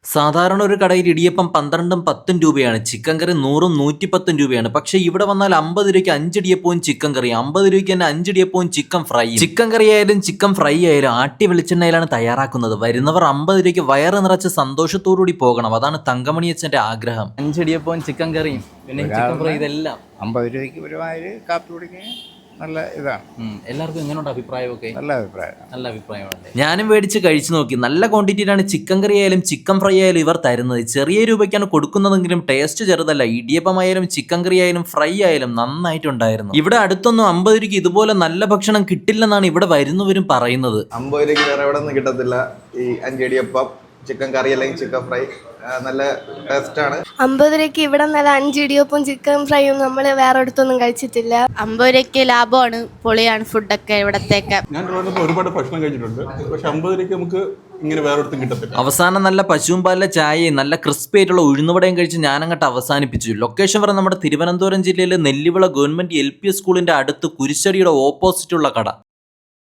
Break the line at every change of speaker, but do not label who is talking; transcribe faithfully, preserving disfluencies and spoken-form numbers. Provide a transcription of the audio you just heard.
സാധാരണ ഒരു കടയിൽ ഇടിയപ്പം പന്ത്രണ്ടും പത്തും രൂപയാണ്, ചിക്കൻ കറി നൂറും നൂറ്റിപ്പത്തും രൂപയാണ്. പക്ഷെ ഇവിടെ വന്നാൽ അമ്പത് രൂപയ്ക്ക് അഞ്ചിടിയപ്പവും ചിക്കൻ കറി, അമ്പത് രൂപയ്ക്ക് തന്നെ അഞ്ചിടിയപ്പവും ചിക്കൻ ഫ്രൈ. ചിക്കൻ കറി ആയാലും ചിക്കൻ ഫ്രൈ ആയാലും ആട്ടി വെളിച്ചെണ്ണയിലാണ് തയ്യാറാക്കുന്നത്. വരുന്നവർ അമ്പത് രൂപയ്ക്ക് വയറ് നിറച്ച് സന്തോഷത്തോടുകൂടി പോകണം. അതാണ് തങ്കമണിയച്ഛൻ്റെ ആഗ്രഹം.
അഞ്ചിടിയപ്പവും ചിക്കൻ കറിയും പിന്നെ ചിക്കൻ ഫ്രൈ ഇതെല്ലാം
അമ്പത് രൂപയ്ക്ക് ഒരുമാതിരി കാപ്പി കുടിക്കാൻ നല്ല ഇതാണ്.
എല്ലാവർക്കും എങ്ങനെയുണ്ട് അഭിപ്രായമൊക്കെ?
നല്ല അഭിപ്രായം
നല്ല അഭിപ്രായമാണ്.
ഞാനും മേടിച്ച് കഴിച്ചു നോക്കി. നല്ല ക്വാണ്ടിറ്റിയിലാണ് ചിക്കൻ കറി ആയാലും ചിക്കൻ ഫ്രൈ ആയാലും ഇവർ തരുന്നത്. ചെറിയ രൂപയ്ക്കാണ് കൊടുക്കുന്നതെങ്കിലും ടേസ്റ്റ് ചെറുതല്ല. ഇടിയപ്പമായാലും ചിക്കൻ കറി ആയാലും ഫ്രൈ ആയാലും നന്നായിട്ടുണ്ടായിരുന്നു. ഇവിടെ അടുത്തൊന്നും അമ്പത് രൂപയ്ക്ക് ഇതുപോലെ നല്ല ഭക്ഷണം കിട്ടില്ലെന്നാണ് ഇവിടെ വരുന്നവരും പറയുന്നത്.
അമ്പത് രൂപയ്ക്ക് വേറെ എവിടെ ഒന്നും കിട്ടത്തില്ല. ഈ അഞ്ചിടിയപ്പം, ചിക്കൻ കറി അല്ലെങ്കിൽ ചിക്കൻ ഫ്രൈ നല്ല ടേസ്റ്റ് ആണ്.
അമ്പത് രൂപയ്ക്ക് ഇവിടെ നല്ല അഞ്ചിടിയപ്പവും ചിക്കൻ ഫ്രൈയും നമ്മൾ വേറെ അടുത്തൊന്നും കഴിച്ചിട്ടില്ല.
അമ്പത് രൂപയ്ക്ക് ലാഭമാണ്, പൊളിയാണ് ഫുഡൊക്കെ ഇവിടത്തേക്ക്.
ഞാൻ ഒരുപാട് ഭക്ഷണം കഴിച്ചിട്ടുണ്ട്, പക്ഷെ അമ്പത് രൂപയ്ക്ക് നമുക്ക് ഇങ്ങനെ വേറെ ഒരിടത്തും കിട്ടത്തില്ല.
അവസാനം നല്ല പശുവും പാലിലെ ചായയും നല്ല ക്രിസ്പി ആയിട്ടുള്ള ഉഴുന്നുവടയും കഴിച്ച് ഞാനങ്ങോട്ട് അവസാനിപ്പിച്ചു. ലൊക്കേഷൻ പറഞ്ഞ നമ്മുടെ തിരുവനന്തപുരം ജില്ലയിലെ നെല്ലിവിള ഗവൺമെന്റ് എൽ പി സ്കൂളിന്റെ അടുത്ത് കുരിശടിയുടെ ഓപ്പോസിറ്റുള്ള കട.